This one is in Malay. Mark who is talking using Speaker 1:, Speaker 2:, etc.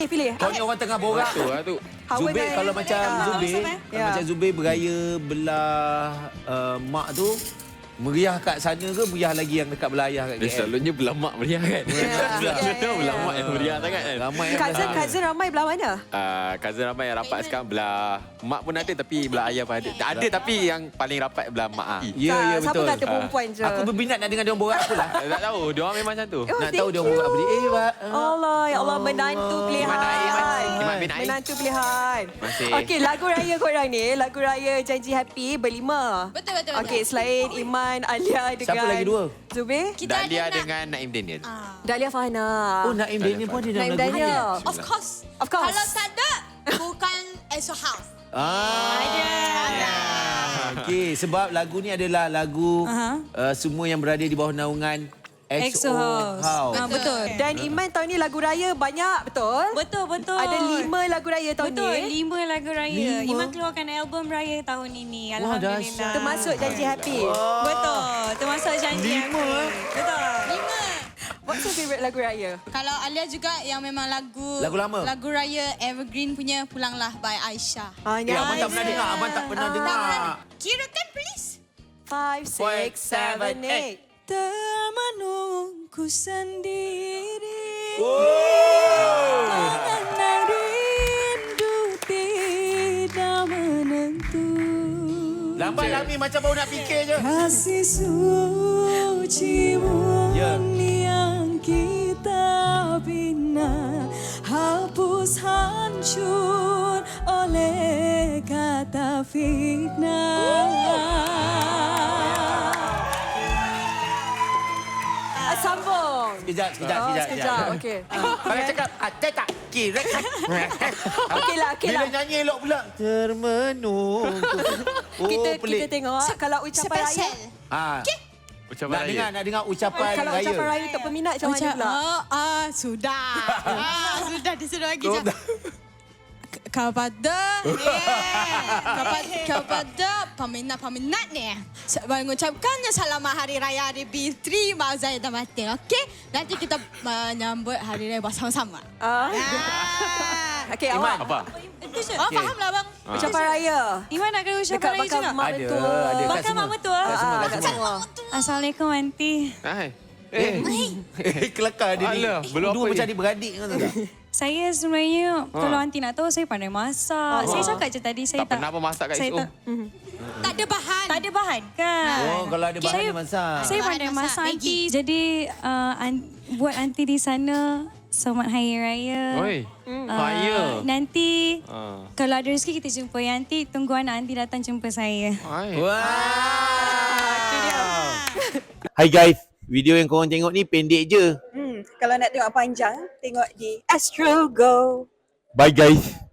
Speaker 1: Okey, pilih.
Speaker 2: Kau ni orang tengah borak.
Speaker 3: Tu lah tu.
Speaker 1: Hawa
Speaker 2: Zubir
Speaker 1: dengan-
Speaker 2: kalau macam Zubir,
Speaker 1: Ya.
Speaker 2: macam Zubir beraya belah mak tu, meriah kat sana ke meriah lagi yang dekat belah ayah kat
Speaker 3: Dia
Speaker 2: KL?
Speaker 3: selalunya belah mak meriah kan. Selalunya belah mak yang meriah sangat kan.
Speaker 2: Ramai yang belah.
Speaker 1: Cousin ramai belah mana?
Speaker 3: Cousin ramai yang rapat sekarang belah mak pun ada tapi belah ayah pun ada. Ada tapi yang paling rapat belah mak ah.
Speaker 2: Ya, ya
Speaker 1: Siapa
Speaker 2: betul.
Speaker 1: kata perempuan je?
Speaker 2: Aku berminat nak dengar dia orang borak aku lah.
Speaker 3: Tak tahu, dia orang memang macam tu.
Speaker 1: Oh,
Speaker 2: Nak
Speaker 1: thank
Speaker 2: tahu dia orang borak apa dia. Pak.
Speaker 1: Allah, ya Allah, menantu pilihan.
Speaker 3: Iman bin Ain.
Speaker 1: Menantu pilihan.
Speaker 3: Masih.
Speaker 1: Okey, lagu raya korang ni, lagu raya Janji Happy berlima.
Speaker 4: Betul.
Speaker 1: Okey, selain Iman, Alia dengan
Speaker 2: Siapa lagi dua?
Speaker 1: Zubir,
Speaker 4: Kita
Speaker 3: Dahlia
Speaker 4: ada
Speaker 3: dengan Naim Daniel.
Speaker 1: Dahlia Fahana.
Speaker 2: Oh, Naim Daniel pun ada dalam
Speaker 1: Naim
Speaker 2: lagu ni.
Speaker 1: Daniel.
Speaker 4: Of course.
Speaker 1: Of course.
Speaker 4: Kalau tak ada, bukan EXO House.
Speaker 2: Okey, sebab lagu ni adalah lagu semua yang berada di bawah naungan EXO House.
Speaker 5: Betul.
Speaker 1: Dan Iman tahun ni lagu raya banyak, betul?
Speaker 5: Betul.
Speaker 1: Ada 5 lagu raya tahun
Speaker 5: Betul,
Speaker 1: ni.
Speaker 5: 5 lagu raya.
Speaker 2: 5?
Speaker 5: Iman keluarkan album raya tahun ini.
Speaker 2: Wah,
Speaker 5: Alhamdulillah.
Speaker 2: dahsyat.
Speaker 1: Termasuk Janji Happy.
Speaker 5: Betul, termasuk janji.
Speaker 2: 5
Speaker 5: Betul.
Speaker 4: 5.
Speaker 1: What's your favourite lagu raya?
Speaker 4: Kalau Alia juga yang memang lagu
Speaker 2: Lagu lama?
Speaker 4: Lagu raya Evergreen punya Pulanglah by Aisyah.
Speaker 2: Abang tak pernah dengar. Abang tak pernah dengar.
Speaker 4: Kirakan please.
Speaker 1: 5, 6, 7, 8.
Speaker 5: Termenungku sendiri.
Speaker 2: Oh.
Speaker 5: Rindu tidak menentu.
Speaker 2: Lambat Lami macam baru nak fikir je.
Speaker 5: Kasih sucimu
Speaker 2: Ya.
Speaker 5: yang kita bina hapus hancur oleh kata fitnah.
Speaker 1: Sambung.
Speaker 2: Sekejap.
Speaker 1: Okey.
Speaker 2: Kalau cakap, tak kira.
Speaker 1: Okeylah.
Speaker 2: Bila nyanyi elok pula. Termenung. Oh,
Speaker 1: Kita
Speaker 2: pelik.
Speaker 1: tengok kalau ucapan raya.
Speaker 4: Special.
Speaker 3: Ucapan
Speaker 2: Nak
Speaker 3: raya.
Speaker 2: dengar ucapan
Speaker 1: Kalau
Speaker 2: raya.
Speaker 1: ucapan raya untuk peminat macam mana pula?
Speaker 4: Sudah. Sudah disuruh lagi je. Kepada peminat ni, saya mengucapkannya selamat Hari Raya Aidilfitri Maulid dan Batin. Okey, nanti kita menyambut Hari Raya bersama-sama.
Speaker 1: Okey,
Speaker 2: Iman.
Speaker 1: awak.
Speaker 3: Apa?
Speaker 4: Oh, fahamlah bang.
Speaker 1: Ucapan raya.
Speaker 5: Iman nak kena ucapan
Speaker 1: Dekat
Speaker 5: raya
Speaker 1: bakal
Speaker 5: juga?
Speaker 1: mak
Speaker 2: Ada,
Speaker 1: mentua.
Speaker 2: ada kat
Speaker 5: Bakal
Speaker 2: semua.
Speaker 5: mak mentua?
Speaker 2: Kat semua, kat
Speaker 1: Kat
Speaker 2: semua.
Speaker 1: semua.
Speaker 5: Assalamualaikum aunty.
Speaker 3: Hai.
Speaker 2: Kelakar dia ni.
Speaker 3: Alah, belum
Speaker 2: Dua
Speaker 3: apa
Speaker 2: macam
Speaker 3: ni?
Speaker 2: adik-beradik kan tak?
Speaker 5: Saya sebenarnya kalau aunty nak tahu saya pandai masak. Saya cakap je tadi saya
Speaker 3: Tak pernah pun masak kat
Speaker 5: saya
Speaker 3: SO.
Speaker 4: Tak ada bahan.
Speaker 5: Tak ada bahan kan?
Speaker 2: Oh, kalau ada bahan dia masak.
Speaker 5: Saya
Speaker 4: Bahan
Speaker 5: pandai
Speaker 4: masak,
Speaker 5: masak aunty. Jadi buat aunty di sana selamat Hari Raya.
Speaker 3: Oi. Raya.
Speaker 5: Nanti
Speaker 3: Ah.
Speaker 5: kalau ada rezeki kita jumpa ya aunty. Tunggu anak aunty datang jumpa saya.
Speaker 3: Hai.
Speaker 2: Hai guys, video yang korang tengok ni pendek je.
Speaker 1: Kalau nak tengok panjang, tengok di Astro Go.
Speaker 2: Bye guys.